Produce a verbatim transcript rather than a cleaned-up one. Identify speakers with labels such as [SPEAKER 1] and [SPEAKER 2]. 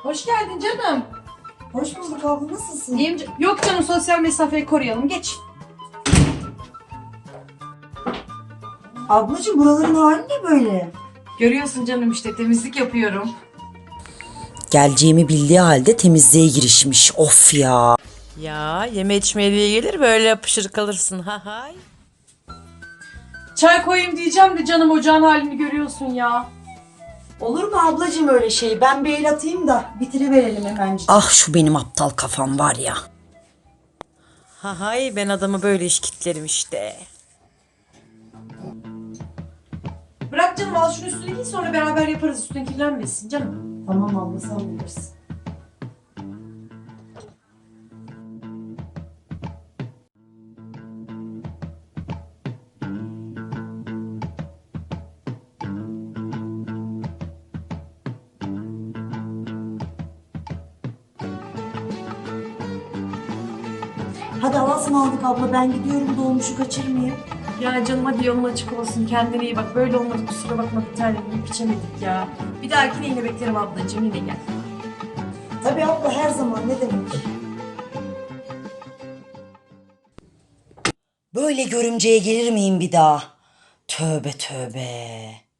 [SPEAKER 1] Hoş geldin canım.
[SPEAKER 2] Hoş bulduk abla, nasılsın?
[SPEAKER 1] İyiyim. ca- Yok canım, sosyal mesafeyi koruyalım. Geç.
[SPEAKER 2] Ablacığım, buraların hali ne böyle?
[SPEAKER 1] Görüyorsun canım, işte temizlik yapıyorum.
[SPEAKER 3] Geleceğimi bildiği halde temizliğe girişmiş. Of ya.
[SPEAKER 4] Ya yeme içmeye diye gelir böyle yapışır kalırsın ha hay.
[SPEAKER 1] Çay koyayım diyeceğim de canım, ocağın halini görüyorsun ya.
[SPEAKER 2] Olur mu ablacığım öyle şey? Ben bir el atayım da bitiriverelim hemencik.
[SPEAKER 3] Ah şu benim aptal kafam var ya.
[SPEAKER 4] Ha hay ben adamı böyle işkitlerim işte.
[SPEAKER 1] Bırak canım, al şunu üstüne giy, sonra beraber yaparız, üstüne kirlenmesin canım.
[SPEAKER 2] Tamam abla, sen bilirsin. Hadi Allah'a aldık abla, ben gidiyorum, dolmuşu kaçırmayayım.
[SPEAKER 1] Ya canım, hadi yolun açık olsun, kendine iyi bak. Böyle olmadı, kusura bakma bir tanem, yiyip içemedik ya. Bir dahakine yine beklerim ablacığım, yine gel.
[SPEAKER 2] Tabii abla, her zaman, ne demek.
[SPEAKER 3] Böyle görümceye gelir miyim bir daha? Tövbe tövbe.